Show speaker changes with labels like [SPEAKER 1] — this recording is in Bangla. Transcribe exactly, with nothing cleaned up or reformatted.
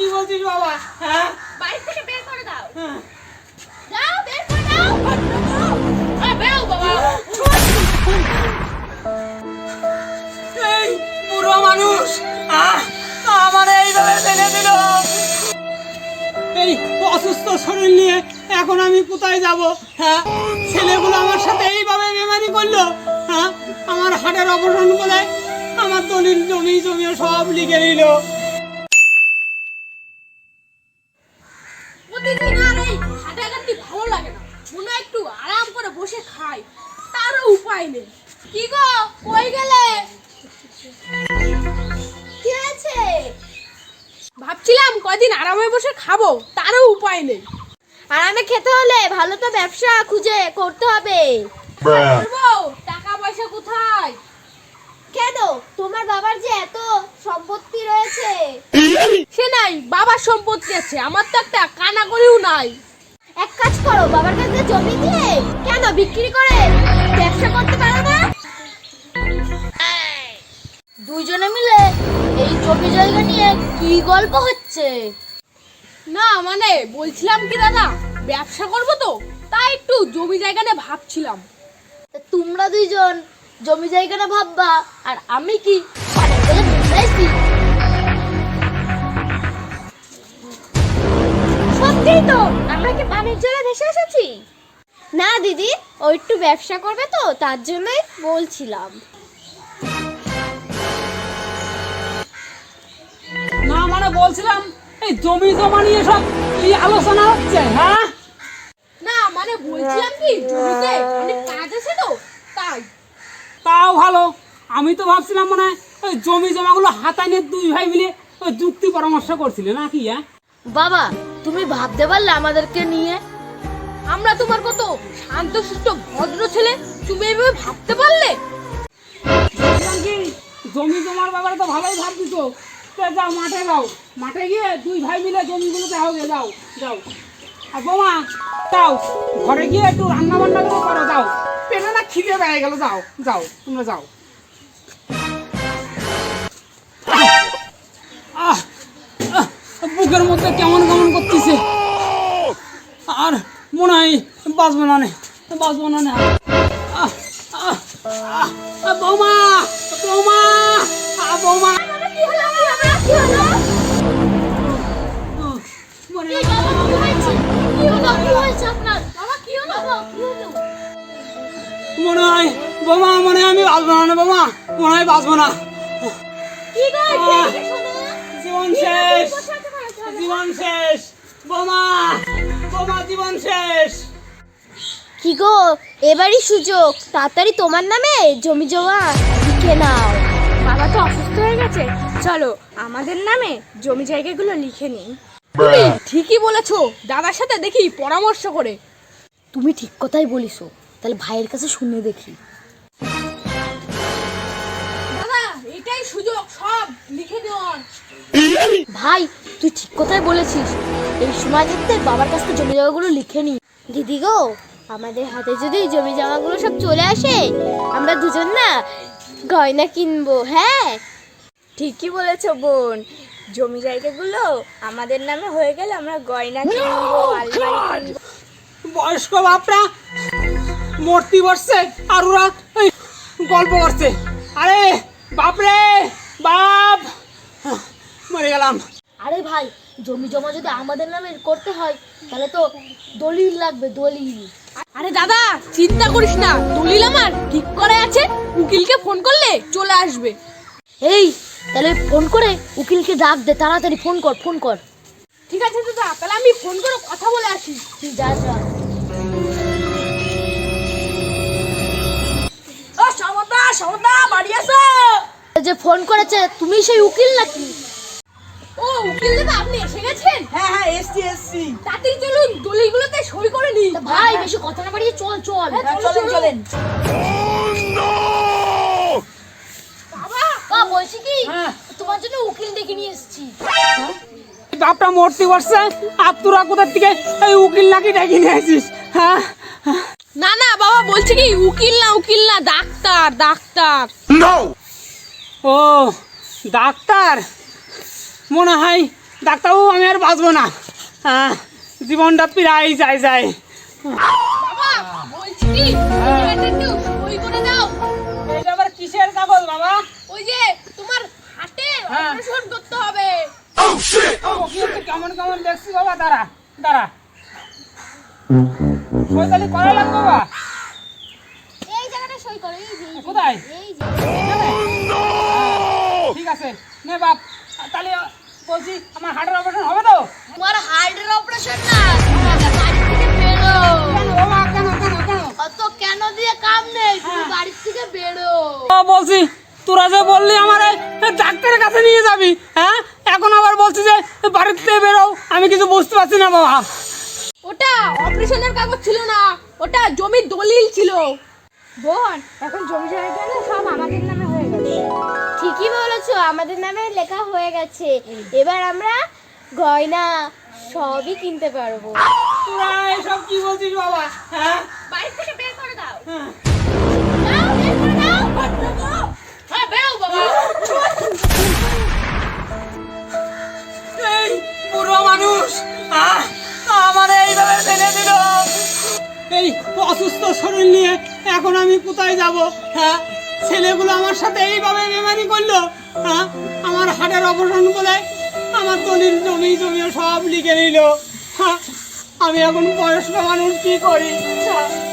[SPEAKER 1] কি বলছিস বাবা? হ্যাঁ,
[SPEAKER 2] বাড়ি থেকে বের করে দাও। যাও, বের করে দাও। আরে বেরো বাবা।
[SPEAKER 1] এই বুড়ো মানুষ আমার এইভাবে ফেলে দিল। এই অসুস্থ শরীর নিয়ে এখন আমি কোথায় যাব? হ্যাঁ, ছেলেগুলো আমার সাথে এইভাবে বেমানি করলো। হ্যাঁ, আমার হাটের অপারেশন বলে আমার দলিল জমি জমি সব লিখে নিল।
[SPEAKER 2] প্রতিদিন আর এই হাঁটাহাঁটি ভালো লাগে না, মনে হয় একটু আরাম করে বসে খাই, তারও উপায় নেই। কি গো, কই গেলে?
[SPEAKER 3] কি হয়েছে?
[SPEAKER 2] ভাবছিলাম কয়দিন আরামে বসে খাবো, তারও উপায় নেই।
[SPEAKER 3] আরামে খেতে হলে ভালো তো ব্যবসা খুঁজে করতে হবে।
[SPEAKER 2] করবো, টাকা পয়সা কোথায়?
[SPEAKER 3] কেন, তোমার বাবার যে এত সম্পত্তি রয়েছে।
[SPEAKER 2] সে নাই, বাবার সম্পত্তি আছে, আমার তো একটা কানা করেও নাই।
[SPEAKER 3] এক কাজ করো, বাবার কাছে জমি দিয়ে কেন বিক্রি করে ব্যবসা করতে পারো না? দুইজনে মিলে এই জমি জায়গা নিয়ে কি গল্প হচ্ছে?
[SPEAKER 2] না মানে বলছিলাম কি দাদা, ব্যবসা করবো তো, তাই একটু জমি জায়গা নিয়ে ভাবছিলাম।
[SPEAKER 3] তা তোমরা দুইজন জমি জায়গা না ভাববা, আর আমি কি পানের তলে ভেসাইছি? সত্যিই তো, আমরা কি পানির জলে ভেসে এসেছি? না দিদি, ও একটু ব্যবসা করবে তো, তার জন্যই বলছিলাম।
[SPEAKER 1] না মানে বলছিলাম এই জমি জমা নিয়ে সব কি আলোচনা হচ্ছে? হ্যাঁ,
[SPEAKER 2] না মানে বলছিলাম কি, জমিতে অনেক কাজ আছে তো, তাই।
[SPEAKER 1] তাও ভালো। আমি তো ভাবছিলাম মানে ওই জমি জমাগুলো হাতায় নিয়ে দুই ভাই মিলে ওই যুক্তি পরামর্শ করছিলে নাকি? হ্যাঁ
[SPEAKER 3] বাবা, তুমি ভাবতে পারলে আমাদেরকে নিয়ে?
[SPEAKER 2] আমরা তোমার কত শান্তশিষ্ট ভদ্র ছেলে, তুমি এভাবে ভাবতে পারলে?
[SPEAKER 1] বলছিলাম কি, জমি জমার ব্যাপারে তো ভালোই ভাবছিস। তো যাও, মাঠে যাও, মাঠে গিয়ে দুই ভাই মিলে জমিগুলোতে হবে। যাও যাও। আর বোমা, যাও ঘরে গিয়ে একটু রান্না বান্না করে করো। যাও, পেটে না খিদে পেয়ে গেল। যাও যাও, তোমরা যাও। আহ আহ, বুকের মধ্যে কেমন কেমন করতেছে, আর মনে হয় বাঁচবো না, বাঁচবো না। আহ আহ আহ বৌমা, বৌমা, আহ বৌমা,
[SPEAKER 3] কি হলো? কি হলো?
[SPEAKER 1] মরে
[SPEAKER 3] এই
[SPEAKER 1] গেল।
[SPEAKER 3] বাবা, কি হয়েছে? কি হলো? কি হয়েছে আপনার? বাবা, কি হলো? বাবা, কি হলো?
[SPEAKER 1] মনে হয় বৌমা, মনে হয় আমি বাঁচবো না। বৌমা, মনে হয় বাঁচবো না।
[SPEAKER 3] কি গো,
[SPEAKER 1] আহ,
[SPEAKER 3] এদিকে শোনো।
[SPEAKER 1] জীবন
[SPEAKER 3] কি হলো?
[SPEAKER 1] শেষ,
[SPEAKER 3] তুমি বসে আছো কেন?
[SPEAKER 1] জীবন শেষ। বৌমা, বৌমা, জীবন শেষ।
[SPEAKER 3] কি গো, এবারই সুযোগ, তাড়াতাড়ি তোমার নামে জমি জমা লিখে নাও।
[SPEAKER 2] বাবা তো অসুস্থ হয়ে গেছে, চলো আমাদের নামে জমি জায়গাগুলো লিখে নিই। তুমি ঠিকই বলেছো, দাদার সাথে দেখি পরামর্শ করে।
[SPEAKER 3] তুমি ঠিক কথাই বলিছো, তাহলে ভাইয়ের কাছে শুনে দেখি।
[SPEAKER 2] দাদা, এটাই সুযোগ সব লিখে দেওয়ার।
[SPEAKER 3] ভাই, তুই ঠিক কথাই বলেছিস, এই সময় থাকতে বাবার কাছ থেকে জমি জমাগুলো লিখে নি। দিদি গো, আমাদের হাতে যদি জমি জমাগুলো সব চলে আসে, আমরা দুজন না গয়না কিনবো। হ্যাঁ,
[SPEAKER 2] ঠিকই বলেছো বোন, জমি জায়গাগুলো আমাদের নামে হয়ে গেলে আমরা গয়না কিনবো, আলমারি কিনবো।
[SPEAKER 1] বয়স্ক বাপরা মূর্তি বসছে আর ওরা এই গল্প করছে। আরে বাপরে বাপ, মরে গেলাম।
[SPEAKER 3] আরে ভাই, জমি জমা যদি আমাদের নামে করতে হয়, তাহলে তো দলিল লাগবে, দলিল।
[SPEAKER 2] আরে দাদা, চিন্তা করিস না, দলিল আমার ঠিক করে আছে, উকিলকে ফোন করলে চলে আসবে।
[SPEAKER 3] এই, তাহলে ফোন করে উকিলকে ডাক দে, তাড়াতাড়ি ফোন কর, ফোন কর।
[SPEAKER 2] ঠিক আছে দাদা, তাহলে আমি ফোন করে কথা বলে আসি।
[SPEAKER 3] তুই যা যা।
[SPEAKER 2] ও সমতা, সমতা, বাড়ি আসো।
[SPEAKER 3] যে ফোন করেছে, তুমি সেই উকিল নাকি?
[SPEAKER 2] ও উকিল দাদা, আপনি এসে গেছেন?
[SPEAKER 1] হ্যাঁ হ্যাঁ, এসছি এসছি।
[SPEAKER 2] তাড়াতাড়ি চলুন, দলিলগুলোতে সই করে নিই।
[SPEAKER 3] তা ভাই, বেশি কথা না বাড়িয়ে চল চল।
[SPEAKER 2] হ্যাঁ, চলেন, চলেন। বাবা,
[SPEAKER 3] বা বলছি কি,
[SPEAKER 1] হ্যাঁ।
[SPEAKER 3] তোমার জন্য উকিল ডেকে নিয়ে এসেছি।
[SPEAKER 1] বাপটা মূর্তি বসছে আর তোরা কোথার থেকে এই উকিল নাকি ডেকে নিয়ে আসিস? হ্যাঁ,
[SPEAKER 2] না না বাবা, বলছি কি, উকিল না, উকিল না, ডাক্তার, ডাক্তার।
[SPEAKER 1] ও ডাক্তার, মনে হয় ডাক্তারবাবু আমি আর বাঁচবো না, হ্যাঁ জীবনটা প্রায় যায় যায়।
[SPEAKER 2] বাবা বলছি কি এটা একটু সই করে দাও।
[SPEAKER 1] এটা আবার কিসের কাগজ বাবা?
[SPEAKER 2] ওই যে তোমার হাটে
[SPEAKER 1] হ্যাঁ।
[SPEAKER 2] অপারেশন করতে হবে।
[SPEAKER 1] ওকে কেমন কেমন দেখছি বাবা, দাঁড়া দাঁড়া সরকারি করা লাগবে বাবা।
[SPEAKER 3] এই জায়গাটা সই করো, এই যে, এই যে,
[SPEAKER 1] কোথায়?
[SPEAKER 3] এই যে।
[SPEAKER 1] এখানে? ঠিক আছে নে বাপ, তাহলে বলছি আমার হার্টের অপারেশন হবে তো?
[SPEAKER 3] তোমার হার্টের অপারেশন না, তোমাকে বাড়ি থেকে বেরো।
[SPEAKER 1] কেন বাবা, কেন কেন কেন?
[SPEAKER 3] অত কেন দিয়ে কাম নেই, তুমি বাড়ি থেকে বেরো।
[SPEAKER 1] ও, বলছি তোরা যে বললি আমার ডাক্তারের কাছে নিয়ে যাবি, হ্যাঁ এখন আবার বলছি যে বাড়িতে বেরো, আমি কিছু বুঝতে পারছি না বাবা।
[SPEAKER 2] ওটা অপারেশনের কাগজ ছিল না, ওটা জমির দলিল ছিল। বোন এখন জমি জায়গা না সব আমাদের নামে হয়ে গেছে।
[SPEAKER 3] ঠিকই বলেছো, আমাদের নামে লেখা হয়ে গেছে। এবার আমরা গয়না সবই কিনতে পারবো।
[SPEAKER 1] তোরা এসব কি বলছিস বাবা? হ্যাঁ
[SPEAKER 2] বাড়ি থেকে বের করে দাও।
[SPEAKER 1] হ্যাঁ।
[SPEAKER 3] দাও, বের করে দাও।
[SPEAKER 2] হ্যাঁ বেরো বাবা।
[SPEAKER 1] এই বুড়ো মানুষ আহ, আমার এইভাবে ফেলে দিল। এই অসুস্থ শরীর নিয়ে এখন আমি কোথায় যাব? হ্যাঁ ছেলেগুলো আমার সাথে এইভাবে বেমানি করলো, হ্যাঁ আমার হাটের অপারেশন বলে আমার দলিল জমি জমি সব লিখে নিল। হ্যাঁ আমি এখন বয়স্ক মানুষ কি করি? হ্যাঁ,